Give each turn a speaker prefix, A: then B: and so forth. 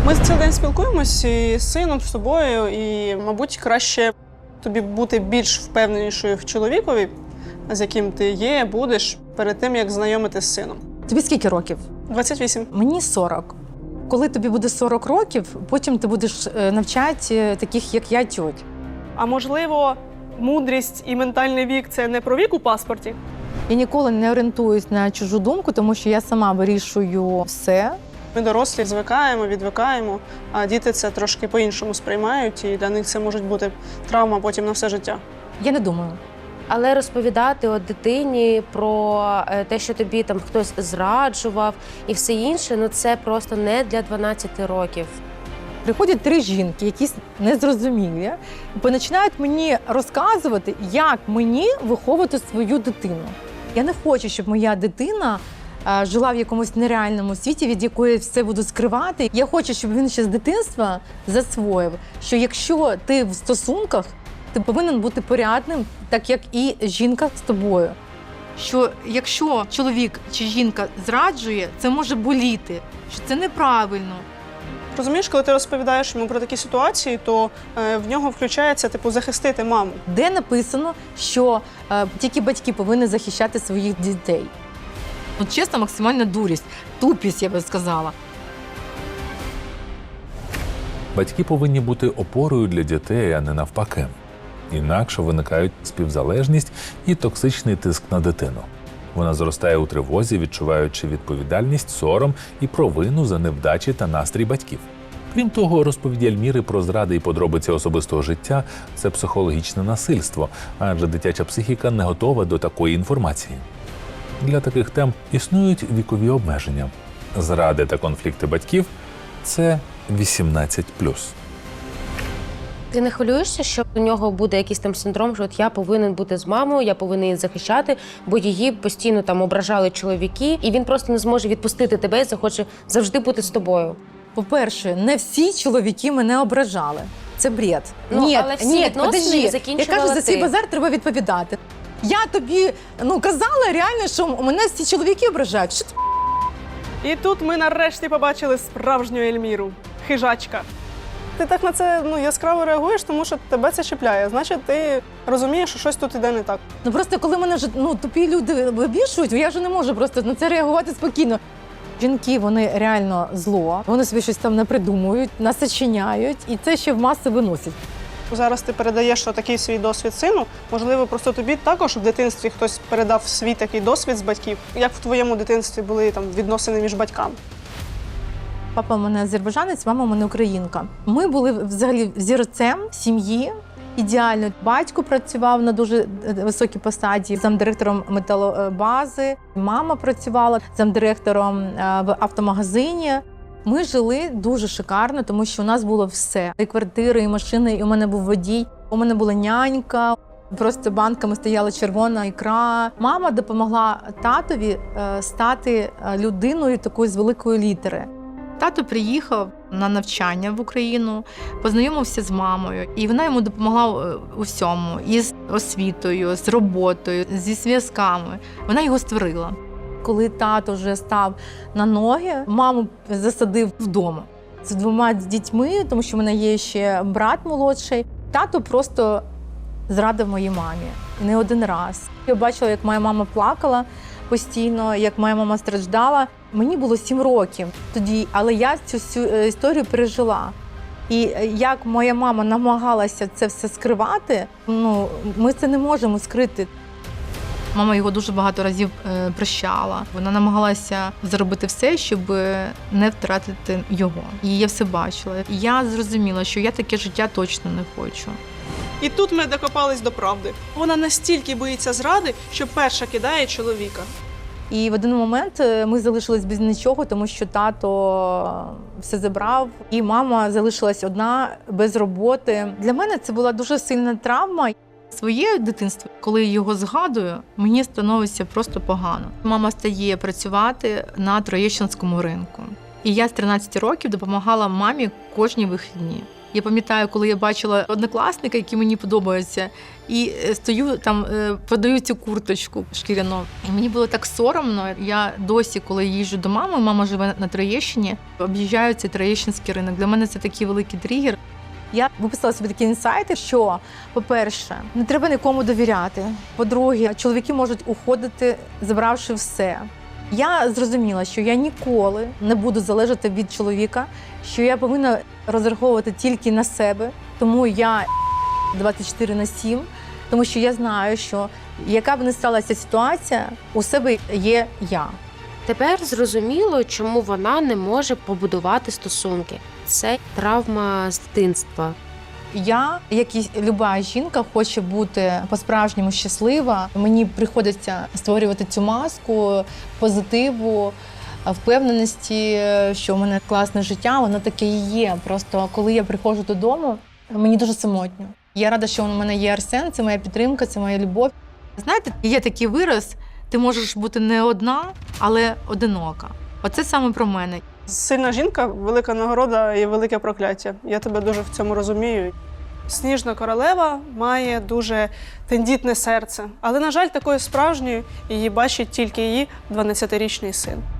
A: Ми цілий день спілкуємося з сином, з тобою, і, мабуть, краще тобі бути більш впевненішою в чоловікові, з яким ти є, будеш, перед тим, як знайомитись з сином.
B: Тобі скільки років?
A: 28.
B: Мені 40. Коли тобі буде 40 років, потім ти будеш навчати таких, як я, тьоть.
A: А можливо, мудрість і ментальний вік – це не про вік у паспорті?
B: Я ніколи не орієнтуюсь на чужу думку, тому що я сама вирішую все.
A: Ми дорослі звикаємо, відвикаємо, а діти це трошки по-іншому сприймають, і для них це може бути травма потім на все життя.
B: Я не думаю.
C: Але розповідати от дитині про те, що тобі там хтось зраджував і все інше, ну це просто не для 12 років.
B: Приходять 3 жінки, якісь незрозумілі, і починають мені розказувати, як мені виховувати свою дитину. Я не хочу, щоб моя дитина жила в якомусь нереальному світі, від якої все буду скривати. Я хочу, щоб він ще з дитинства засвоїв, що якщо ти в стосунках, ти повинен бути порядним, так як і жінка з тобою. Що якщо чоловік чи жінка зраджує, це може боліти, що це неправильно.
A: Розумієш, коли ти розповідаєш йому про такі ситуації, то в нього включається, захистити маму.
B: Де написано, що тільки батьки повинні захищати своїх дітей. От чесно, максимальна дурість, тупість, я би сказала.
D: Батьки повинні бути опорою для дітей, а не навпаки. Інакше виникають співзалежність і токсичний тиск на дитину. Вона зростає у тривозі, відчуваючи відповідальність, сором і провину за невдачі та настрій батьків. Крім того, розповіді Ельміри про зради і подробиці особистого життя – це психологічне насильство, адже дитяча психіка не готова до такої інформації. Для таких тем існують вікові обмеження. Зради та конфлікти батьків – це 18+.
C: Ти не хвилюєшся, що у нього буде якийсь там синдром, що от я повинен бути з мамою, я повинен її захищати, бо її постійно там ображали чоловіки, і він просто не зможе відпустити тебе і захоче завжди бути з тобою.
B: По-перше, не всі чоловіки мене ображали. Це бред.
C: Ну, але всі відносини закінчувала
B: Я кажу, за свій
C: ти.
B: базар треба відповідати. Я тобі казала реально, що мене всі чоловіки ображають. Що ти?
A: І тут ми нарешті побачили справжню Ельміру. Хижачка. Ти так на це яскраво реагуєш, тому що тебе це чіпляє. Значить, ти розумієш, що щось тут іде не так.
B: Просто коли мене вже тупі люди вибішують, я вже не можу просто на це реагувати спокійно. Жінки, вони реально зло, вони собі щось там напридумують, насочиняють, і це ще в маси виносять.
A: Зараз ти передаєш такий свій досвід сину. Можливо, просто тобі також в дитинстві хтось передав свій такий досвід з батьків. Як в твоєму дитинстві були відносини між батьками?
B: Папа у мене азербайджанець, мама у мене українка. Ми були взагалі взірцем сім'ї. Ідеально. Батько працював на дуже високій посаді, замдиректором металобази. Мама працювала замдиректором в автомагазині. Ми жили дуже шикарно, тому що у нас було все. І квартири, і машини, і у мене був водій. У мене була нянька. Просто банками стояла червона ікра. Мама допомогла татові стати людиною такою з великої літери. Тато приїхав на навчання в Україну, познайомився з мамою, і вона йому допомогла у всьому. І з освітою, з роботою, зі зв'язками. Вона його створила. Коли тато вже став на ноги, маму засадив вдома з 2 дітьми, тому що в мене є ще брат молодший. Тато просто зрадив моїй мамі. Не один раз. Я бачила, як моя мама плакала постійно, як моя мама страждала. Мені було 7 років тоді, але я цю всю історію пережила. І як моя мама намагалася це все скривати, ми це не можемо скрити. Мама його дуже багато разів прощала. Вона намагалася зробити все, щоб не втратити його. І я все бачила. І я зрозуміла, що я таке життя точно не хочу.
A: І тут ми докопались до правди. Вона настільки боїться зради, що перша кидає чоловіка.
B: І в один момент ми залишились без нічого, тому що тато все забрав, і мама залишилась одна, без роботи. Для мене це була дуже сильна травма. Своє дитинство, коли я його згадую, мені становиться просто погано. Мама стає працювати на Троєщинському ринку. І я з 13 років допомагала мамі кожні вихідні. Я пам'ятаю, коли я бачила однокласника, який мені подобається, і стою там, продаю цю курточку шкіряну. І мені було так соромно. Я досі, коли їжджу до мами, мама живе на Троєщині, об'їжджаю цей Троєщинський ринок. Для мене це такий великий тригер. Я виписала собі такі інсайти, що, по-перше, не треба нікому довіряти. По-друге, чоловіки можуть уходити, забравши все. Я зрозуміла, що я ніколи не буду залежати від чоловіка, що я повинна розраховувати тільки на себе, тому я 24/7, тому що я знаю, що яка б не сталася ситуація, у себе є я.
C: Тепер зрозуміло, чому вона не може побудувати стосунки. Це травма з дитинства.
B: Я, як і люба жінка, хоче бути по-справжньому щаслива. Мені приходиться створювати цю маску позитиву, впевненості, що в мене класне життя, воно таке і є. Просто коли я приходжу додому, мені дуже самотньо. Я рада, що у мене є Арсен, це моя підтримка, це моя любов. Знаєте, є такий вираз, ти можеш бути не одна, але одинока. Оце саме про мене.
A: Сильна жінка – велика нагорода і велике прокляття. Я тебе дуже в цьому розумію. Сніжна королева має дуже тендітне серце. Але, на жаль, такою справжньою її бачить тільки її 12-річний син.